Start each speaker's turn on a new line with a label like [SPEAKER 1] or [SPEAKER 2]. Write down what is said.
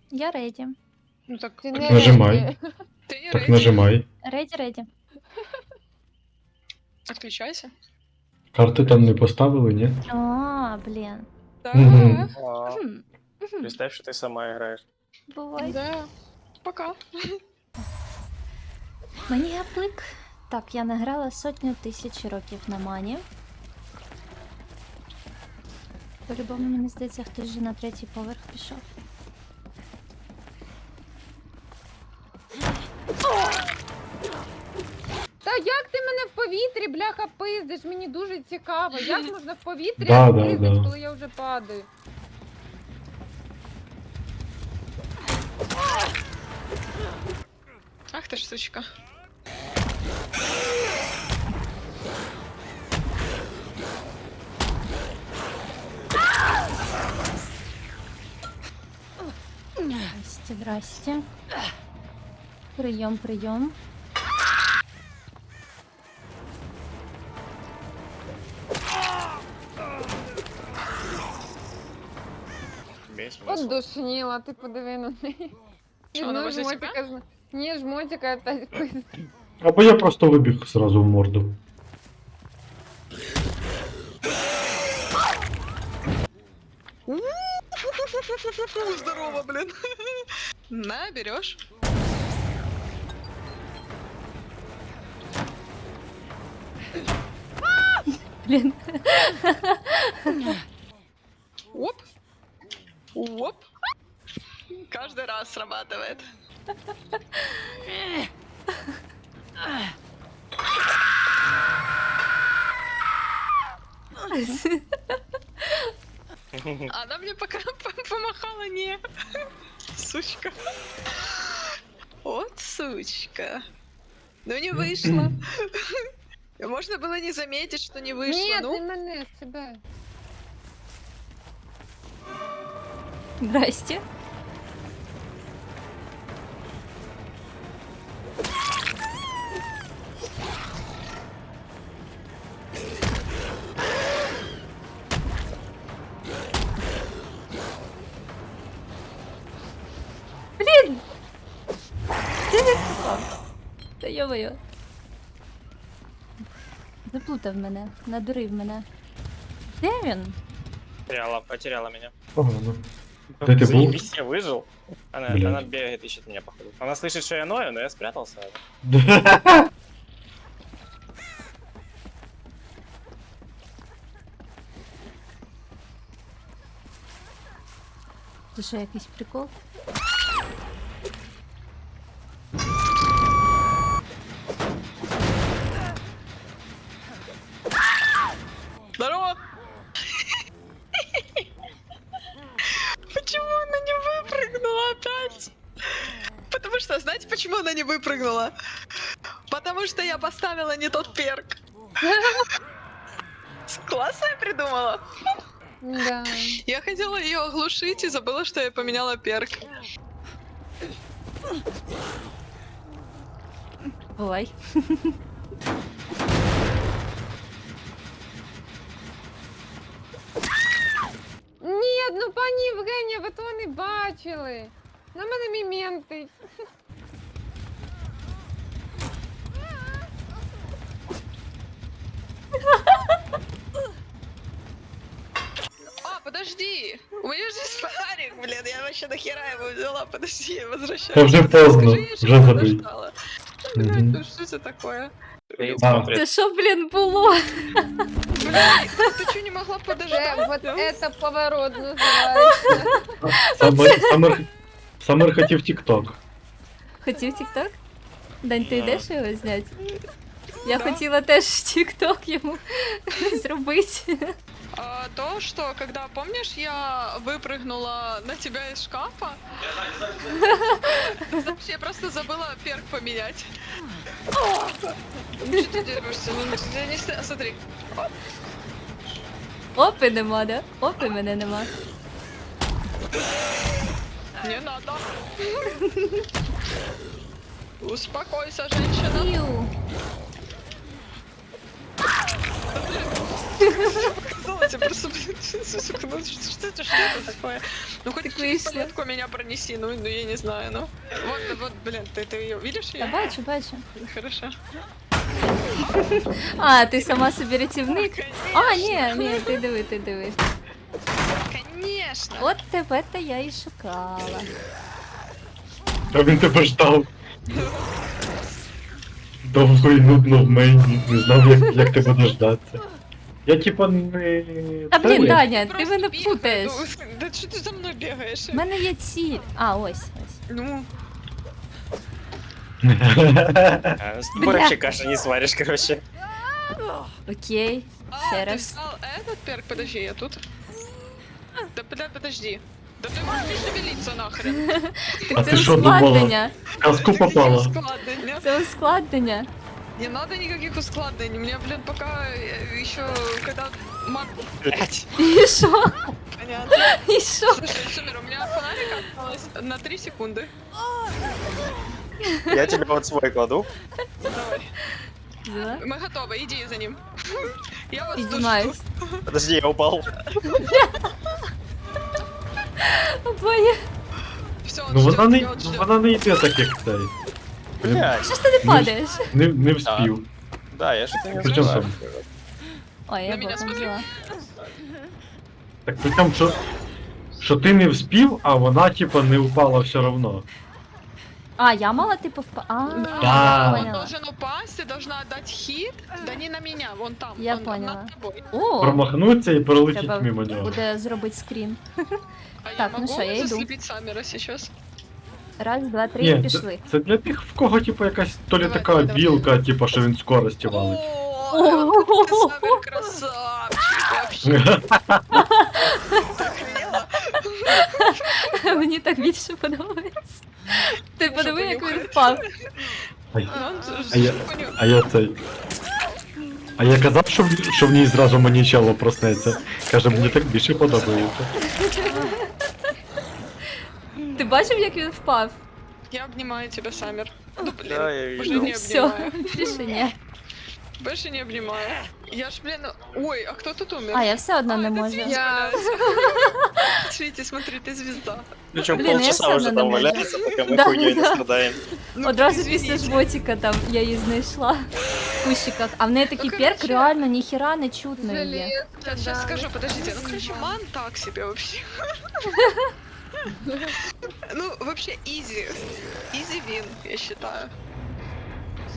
[SPEAKER 1] Я реді.
[SPEAKER 2] Ну так,
[SPEAKER 3] Ти
[SPEAKER 4] Так
[SPEAKER 3] не
[SPEAKER 4] нажимай.
[SPEAKER 3] реді.
[SPEAKER 2] ты не
[SPEAKER 4] Так
[SPEAKER 2] рейди.
[SPEAKER 4] нажимай.
[SPEAKER 1] Реді.
[SPEAKER 2] Отключайся.
[SPEAKER 4] Карти там не поставили, ні?
[SPEAKER 1] А, блін.
[SPEAKER 2] Да,
[SPEAKER 4] Мгм.
[SPEAKER 5] А,
[SPEAKER 1] Хм.
[SPEAKER 5] представь, что ты сама играешь.
[SPEAKER 1] Бувай.
[SPEAKER 2] да. Пока.
[SPEAKER 1] Мені гаплик. Так, я награла 100 000 років на мані. По-любому, мені здається, хтось вже на 3-й поверх пішов.
[SPEAKER 3] Та як ти мене в повітрі, бляха, пиздиш? Мені дуже цікаво. Як можна в повітрі
[SPEAKER 4] Да, да,
[SPEAKER 3] пиздить,
[SPEAKER 4] да.
[SPEAKER 3] коли я вже падаю?
[SPEAKER 2] Ах ты ж сучка.
[SPEAKER 1] Здрасте. Прийом.
[SPEAKER 5] Весь смысл.
[SPEAKER 3] От душніла, ти подиви на неї.
[SPEAKER 2] Що, вона возле
[SPEAKER 3] жмотика Ні, жмотика опять пиздить.
[SPEAKER 4] Або я просто вибіг зразу в морду.
[SPEAKER 2] Здорово, блин. На, берешь.
[SPEAKER 1] Блін.
[SPEAKER 2] Оп. Оп. Каждый раз срабатывает. Она мне пока помахала, не. Сучка. Вот сучка. Ну не вышло. Можно было не заметить, что не вышло.
[SPEAKER 3] Ні,
[SPEAKER 2] Ну,
[SPEAKER 3] ти мене з себе.
[SPEAKER 1] Здрасте. Блін! Де він попав? Та йо-моє. Заплутав мене, надурив мене. Де він?
[SPEAKER 5] Потеряла меня.
[SPEAKER 4] Погано. Где ты был?
[SPEAKER 5] Заебись, я выжил. Она
[SPEAKER 4] Блядь.
[SPEAKER 5] бегает, ищет меня, походу. Она слышит, что я ною, но я спрятался.
[SPEAKER 1] Це що, якийсь прикол?
[SPEAKER 2] здорово. Почему она не выпрыгнула опять? Потому что, знаете, почему она не выпрыгнула? Потому что я поставила не тот перк. Классно я придумала.
[SPEAKER 3] Да.
[SPEAKER 2] Я хотела ее оглушить и забыла, что я поменяла перк.
[SPEAKER 1] Бувай.
[SPEAKER 3] Ні, ну пані Євгенія, ви того не бачили. На мене міментить.
[SPEAKER 2] А, подожди! У меня же есть фонарик, блин, я вообще нахера его взяла, подожди, я возвращаюсь.
[SPEAKER 4] Та вже поздно,
[SPEAKER 2] Скажи, я
[SPEAKER 4] вже
[SPEAKER 2] еще
[SPEAKER 4] забий.
[SPEAKER 2] подождала.
[SPEAKER 4] Мгм.
[SPEAKER 2] Блядь, ну что это такое?
[SPEAKER 5] Стоит,
[SPEAKER 4] А.
[SPEAKER 5] смотрит.
[SPEAKER 1] Це що, блін, було?
[SPEAKER 2] Блядь, ты что, не могла подождать?
[SPEAKER 3] Вот это поворот називається.
[SPEAKER 4] Самер хотів тік-ток.
[SPEAKER 1] Хотів тік-ток? Дань, ти
[SPEAKER 5] Да.
[SPEAKER 1] йдеш його зняти? Я
[SPEAKER 2] Да.
[SPEAKER 1] хотіла теж тік-ток йому зробити.
[SPEAKER 2] То, что когда, помнишь, я выпрыгнула на тебя из шкафа, знаешь, я просто забыла перк поменять. Что ты дерешься? Ну, я не смотри.
[SPEAKER 1] Опи нема, да? Опи мене нема.
[SPEAKER 2] Не надо. Успокойся, женщина.
[SPEAKER 1] Іу.
[SPEAKER 2] испугалась, я просто, блин, сука, ну что это такое? Ну хоть через палетку меня пронеси, ну я не знаю, ну. Вот, блин, ты ее видишь
[SPEAKER 1] Та
[SPEAKER 2] ее?
[SPEAKER 1] бачу, бачу.
[SPEAKER 2] Хорошо.
[SPEAKER 1] А, ти сама собі рятівник? А, ні, ти диви.
[SPEAKER 2] Конечно.
[SPEAKER 1] От тебе-то я і шукала.
[SPEAKER 4] А він тебе ждав. Довго і нудно в мені, не знав, як тебе дождатися. Я типа не...
[SPEAKER 1] Та блін,
[SPEAKER 4] Це-
[SPEAKER 1] Даня, ти
[SPEAKER 2] Просто
[SPEAKER 1] мене
[SPEAKER 2] бегай,
[SPEAKER 1] путаєш.
[SPEAKER 2] ну, да что ты за мной бегаешь?
[SPEAKER 1] У мене є ціль. А, ось.
[SPEAKER 2] Ну,
[SPEAKER 5] С тобой
[SPEAKER 1] Бля.
[SPEAKER 5] вообще каши не сваришь, короче.
[SPEAKER 1] Окей. Ще
[SPEAKER 2] ты
[SPEAKER 1] раз.
[SPEAKER 2] взял этот перк? Подожди, я тут. Да, бля, подожди. Да ты можешь не шевелиться нахрен.
[SPEAKER 4] А
[SPEAKER 1] Так це
[SPEAKER 4] ти що думала?
[SPEAKER 1] ускладнення.
[SPEAKER 4] В казку
[SPEAKER 2] Никаких
[SPEAKER 4] попала.
[SPEAKER 2] ускладнений.
[SPEAKER 1] Це ускладнення.
[SPEAKER 2] Не надо никаких ускладнений. Мне, блин, пока еще когда мат...
[SPEAKER 5] Блять.
[SPEAKER 1] І що?
[SPEAKER 2] Понятно.
[SPEAKER 1] І що?
[SPEAKER 2] Слушай, Сумер, у меня фонарик осталось на 3 секунды.
[SPEAKER 5] Я тебе вот свой кладу.
[SPEAKER 2] Давай.
[SPEAKER 1] Да?
[SPEAKER 2] Мы готовы, иди за ним. Я вас тут
[SPEAKER 1] Піднімаюсь.
[SPEAKER 2] жду.
[SPEAKER 5] Подожди, я упал.
[SPEAKER 1] Обоє.
[SPEAKER 2] Все, он
[SPEAKER 4] Ну
[SPEAKER 2] ждет,
[SPEAKER 4] вона не,
[SPEAKER 2] я вот
[SPEAKER 4] ну,
[SPEAKER 2] ждет.
[SPEAKER 4] вона не йде так, як цей.
[SPEAKER 5] Блять.
[SPEAKER 1] Що ж ти не падаєш?
[SPEAKER 4] Не вспів.
[SPEAKER 5] Да, я что-то не
[SPEAKER 4] Причем
[SPEAKER 5] успеваю.
[SPEAKER 1] Ой, я
[SPEAKER 2] На мене
[SPEAKER 1] боком
[SPEAKER 2] смотри.
[SPEAKER 1] взяла.
[SPEAKER 4] Так при тому, що ти не вспів, а вона типа не упала все равно.
[SPEAKER 1] А, я мала типу А,
[SPEAKER 2] Да,
[SPEAKER 1] я
[SPEAKER 2] он
[SPEAKER 1] поняла.
[SPEAKER 2] должен упасть, ты должна отдать хит, да не на меня, вон там,
[SPEAKER 1] Я
[SPEAKER 2] он
[SPEAKER 1] поняла.
[SPEAKER 2] над тобой.
[SPEAKER 1] О,
[SPEAKER 4] Промахнуться і пролетіть
[SPEAKER 1] треба
[SPEAKER 4] мимо нього.
[SPEAKER 1] буде зробити скрін.
[SPEAKER 2] А
[SPEAKER 1] Так,
[SPEAKER 2] я
[SPEAKER 1] ну
[SPEAKER 2] могу
[SPEAKER 1] что, я иду.
[SPEAKER 2] заслепить Саммера сейчас?
[SPEAKER 1] Раз, два, три,
[SPEAKER 4] Ні,
[SPEAKER 1] і пішли.
[SPEAKER 4] це для тих, в кого типа якась то лі
[SPEAKER 2] Давай,
[SPEAKER 4] така
[SPEAKER 2] давай, давай.
[SPEAKER 4] білка, типа, що він скорості валить.
[SPEAKER 2] О, ты Саммер красавчик вообще. Охренела?
[SPEAKER 1] Мені так більше подобається. Ти
[SPEAKER 2] Може,
[SPEAKER 1] подиви, як він
[SPEAKER 2] понюхай?
[SPEAKER 1] впав.
[SPEAKER 4] Ай,
[SPEAKER 2] Ну, он
[SPEAKER 4] А я-
[SPEAKER 2] понюхай.
[SPEAKER 4] А я цей. А я казав, що в ній зразу манічело проснеться. Каже, мені так більше подобається.
[SPEAKER 1] Ти бачив, як він впав?
[SPEAKER 2] Я обнимаю тебя, Саммер. Ну, блин,
[SPEAKER 5] Да, я
[SPEAKER 2] уже
[SPEAKER 5] видел.
[SPEAKER 2] не
[SPEAKER 1] Все,
[SPEAKER 2] обнимаю.
[SPEAKER 1] більше ні.
[SPEAKER 2] Больше не обнимаю. Я ж, блин, ой, а кто тут умер?
[SPEAKER 1] А, я все одно не
[SPEAKER 2] это
[SPEAKER 1] можу.
[SPEAKER 2] Свитя
[SPEAKER 3] Я-
[SPEAKER 2] валяется. Свити, смотри, ты звезда.
[SPEAKER 5] Причем
[SPEAKER 1] Блин, я
[SPEAKER 5] полчаса
[SPEAKER 1] всё
[SPEAKER 5] уже
[SPEAKER 1] равно
[SPEAKER 5] там
[SPEAKER 1] не могу.
[SPEAKER 5] валяется, пока мы
[SPEAKER 1] Да,
[SPEAKER 5] хуйней не
[SPEAKER 1] да.
[SPEAKER 5] страдаем.
[SPEAKER 2] Ну,
[SPEAKER 1] Одразу
[SPEAKER 2] извините.
[SPEAKER 1] після жботіка там я її знайшла в кущиках. А в неї такий
[SPEAKER 2] Ну,
[SPEAKER 1] перк
[SPEAKER 2] короче,
[SPEAKER 1] реально ніхіра не чутно є.
[SPEAKER 3] Железка,
[SPEAKER 2] Сейчас
[SPEAKER 3] да.
[SPEAKER 2] скажу, подождите. Ну, короче, ман так себе вообще. Ну, вообще, изи. Изи вин, я считаю.